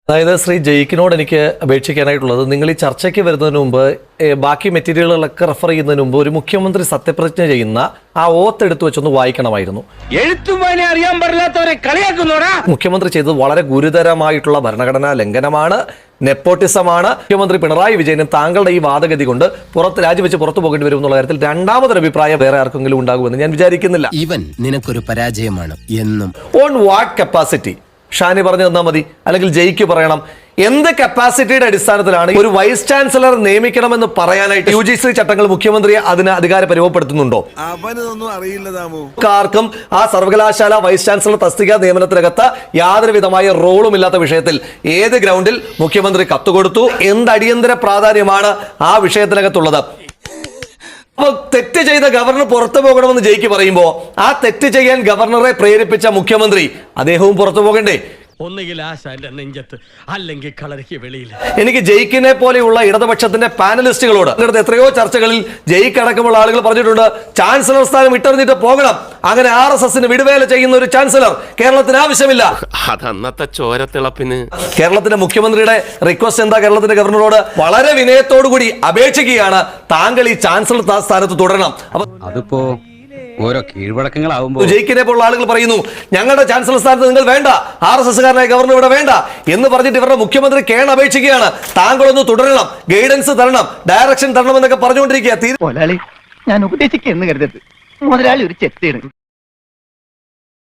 അതായത് ശ്രീ ജയിക്കിനോട് എനിക്ക് അപേക്ഷിക്കാനായിട്ടുള്ളത്, നിങ്ങൾ ഈ ചർച്ചയ്ക്ക് വരുന്നതിന് മുമ്പ് ബാക്കി മെറ്റീരിയലുകളൊക്കെ റെഫർ ചെയ്യുന്നതിന് മുമ്പ് ഒരു മുഖ്യമന്ത്രി സത്യപ്രതിജ്ഞ ചെയ്യുന്ന ആ ഓത്ത് എടുത്തു വെച്ചൊന്ന് വായിക്കണമായിരുന്നു. അറിയാൻ പാടില്ലാത്തവരെ കളിയാക്കുന്നോടാ. മുഖ്യമന്ത്രി ചെയ്തത് വളരെ ഗുരുതരമായിട്ടുള്ള ഭരണഘടനാ ലംഘനമാണ്, നെപ്പോട്ടിസമാണ്. മുഖ്യമന്ത്രി പിണറായി വിജയനും താങ്കളുടെ ഈ വാദഗതി കൊണ്ട് രാജിവെച്ച് പുറത്തു പോകേണ്ടി വരും എന്നുള്ള കാര്യത്തിൽ രണ്ടാമതൊരു അഭിപ്രായം വേറെ ആർക്കെങ്കിലും ഉണ്ടാകുമെന്ന് ഞാൻ വിചാരിക്കുന്നില്ല. ഇവൻ നിനക്കൊരു പരാജയമാണ് എന്നും. ഓൺ വാട്ട് കപ്പാസിറ്റി ഷാനി പറഞ്ഞു തന്നാൽ മതി, അല്ലെങ്കിൽ ജയിക്ക് പറയണം. എന്ത് കപ്പാസിറ്റിയുടെ അടിസ്ഥാനത്തിലാണ് ഒരു വൈസ് ചാൻസലർ നിയമിക്കണമെന്ന് പറയാനായിട്ട് UGC ചട്ടങ്ങൾ മുഖ്യമന്ത്രിയെ അതിന് അധികാരം പരിമപ്പെടുത്തുന്നുണ്ടോ? അവനൊന്നും അറിയില്ല. ആർക്കും ആ സർവകലാശാല വൈസ് ചാൻസലർ തസ്തിക നിയമനത്തിനകത്ത് യാതൊരു വിധമായ റോളും ഇല്ലാത്ത വിഷയത്തിൽ ഏത് ഗ്രൗണ്ടിൽ മുഖ്യമന്ത്രി കത്തുകൊടുത്തു? എന്ത് അടിയന്തര പ്രാധാന്യമാണ് ആ വിഷയത്തിനകത്തുള്ളത്? അപ്പൊ തെറ്റ് ചെയ്ത ഗവർണർ പുറത്തു പോകണമെന്ന് ജയിക്ക് പറയുമ്പോ ആ തെറ്റ് ചെയ്യാൻ ഗവർണറെ പ്രേരിപ്പിച്ച മുഖ്യമന്ത്രി അദ്ദേഹവും പുറത്തു പോകണ്ടേ? ഒന്നുകിൽ നെഞ്ചത്ത്, അല്ലെങ്കിൽ കളരിക്ക് വെളിയിൽ. എനിക്ക് ജയിക്കിനെ പോലെയുള്ള ഇടതുപക്ഷത്തിന്റെ പാനലിസ്റ്റുകളോട് എത്രയോ ചർച്ചകളിൽ ജയിക്ക് അടക്കമുള്ള ആളുകൾ പറഞ്ഞിട്ടുണ്ട്, ചാൻസലർ സ്ഥാനം ഇട്ടെറിഞ്ഞിട്ട് പോകണം. അങ്ങനെ RSSന് വിടുവേല ചെയ്യുന്ന ഒരു ചാൻസലർ കേരളത്തിന് ആവശ്യമില്ല. അതന്നത്തെ ചോരത്തിളപ്പിന് കേരളത്തിന്റെ മുഖ്യമന്ത്രിയുടെ റിക്വസ്റ്റ് എന്താ? കേരളത്തിന്റെ ഗവർണറോട് വളരെ വിനയത്തോടുകൂടി അപേക്ഷിക്കുകയാണ്, താങ്കൾ ഈ ചാൻസലർ സ്ഥാനത്ത് തുടരണം. അപ്പൊ അതിപ്പോ ഓരോ കീഴ്വഴക്കങ്ങളാവുമ്പോൾ ജയിക്കിനെ പോലുള്ള ആളുകൾ പറയുന്നു, ഞങ്ങളുടെ ചാൻസലർ സ്ഥാനത്ത് നിങ്ങൾ വേണ്ട, RSSകാരനായ ഗവർണർ ഇവിടെ വേണ്ട എന്ന് പറഞ്ഞിട്ട് ഇവരുടെ മുഖ്യമന്ത്രി അപേക്ഷിക്കുകയാണ്, താങ്കളൊന്ന് തുടരണം, ഗൈഡൻസ് തരണം, ഡയറക്ഷൻ തരണം എന്നൊക്കെ പറഞ്ഞുകൊണ്ടിരിക്കുക. ഞാൻ ഉപദേശിക്കുന്നു കരുതരുത്, മുതലാളി ഒരു ചെത്തിയാണ്.